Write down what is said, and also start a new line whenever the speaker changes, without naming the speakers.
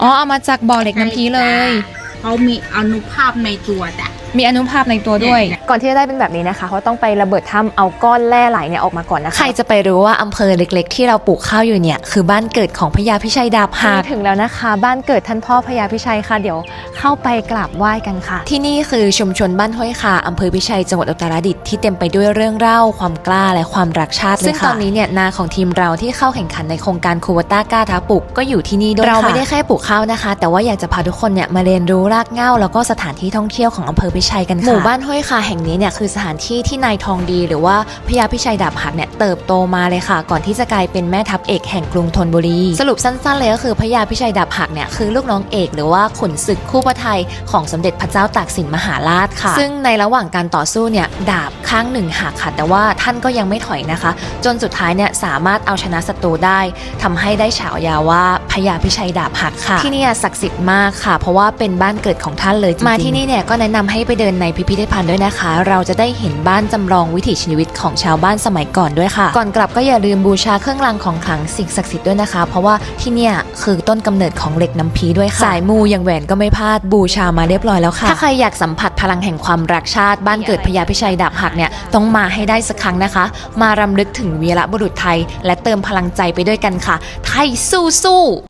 อ๋อเอามาจากบ่อเหล็กน้ำพีเลย
เขามีอนุภาพในตัวจ้ะ
มีอนุภาพในตัวด้วย
ก่อนที่จะได้เป็นแบบนี้นะคะเขาต้องไประเบิดถ้ำเอาก้อนแร่ไหลเนี่ยออกมาก่อนนะคะ
ใครจะไปรู้ว่าอำเภอเล็กๆที่เราปลูกข้าวอยู่เนี่ยคือบ้านเกิดของพญาพิชัยดาบหัก
ถึงแล้วนะคะบ้านเกิดท่านพ่อพญาพิชัยค่ะเดี๋ยวเข้าไปกราบไหว้กันค่ะ
ที่นี่คือชุมชนบ้านห้วยคาอำเภอพิชัยจังหวัดอุตรดิตถ์ที่เต็มไปด้วยเรื่องเล่าความกล้าและความรักชาติเลยค่ะซึ่งตอนนี้เนี่ยนาของทีมเราที่เข้าแข่งขันในโครงการคูวต้ากล้าท้าปลูกก็อยู่ที่นี่ด้วยเราไม่ได้แค่ปลูกข้าวนะคะแต่ว่าอยากจะพาทุกคนเนี่ยมาเรียนรู้รากเหง้าแล้วก็สถานที่ท่องเที่ยวของอำเภอพิชัยกันค่ะหมู่บ้านห้วยคาแห่งนี้เนี่ยคือสถานที่ที่นายทองดีหรือว่าพญาพิชัยดาบหักเนี่ยเติบโตมาเลยค่ะก่อนที่จะกลายเป็นแม่ทัพเอกแห่งกรุงธนบุรีสรุปสั้นๆเลยก็คือพญาพิชัยดาบหักเนี่ยคือลูกน้องเอกหรือว่าขุนศึกคู่พระทัยของสมเด็จพระเจ้าตากสินมหาราชค่ะซึ่งในระหว่างการต่อสู้เนี่ยดาบข้างหนึ่งหักค่ะแต่ว่าท่านก็ยังไม่ถอยนะคะจนสุดท้ายเนี่ยสามารถเอาชนะศัตรูได้ทำให้ได้ฉายาว่าพญาพิชัยดาบหักค่ะที่นี่ศักดิ์สิทธิ์มากค่ะเพราะว่าเป็นบ้านเกิดของท่านเลยจริงๆมาที่นี่เนี่ยก็แนะนำให้ไปเดินในพิพิธภัณฑ์ด้วยนะคะเราจะได้เห็นบ้านจำลองวิถีชีวิตของชาวบ้านสมัยก่อนด้วยค่ะก่อนกลับก็อย่าลืมบูชาเครื่องรางของขลังสิ่งศักดิ์สิทธิ์ด้วยนะคะเพราะว่าที่เนี่ยคือต้นกำเนิดของเหล็กน้ำพีด้วยค่ะสายมูอย่างแหวนก็ไม่พลาดบูชามาเรียบร้อยแล้วค่ะถ้าใครอยากสัมผัสพลังแห่งความรักชาติบ้านเกิดพญาพิชัยดาบหักเนี่ยต้องมาให้ได้สักครั้งนะคะมารำลึกถึงวีรบุรุษไทยและเติมพลังใจไปด้วยกันค่ะไทยสู้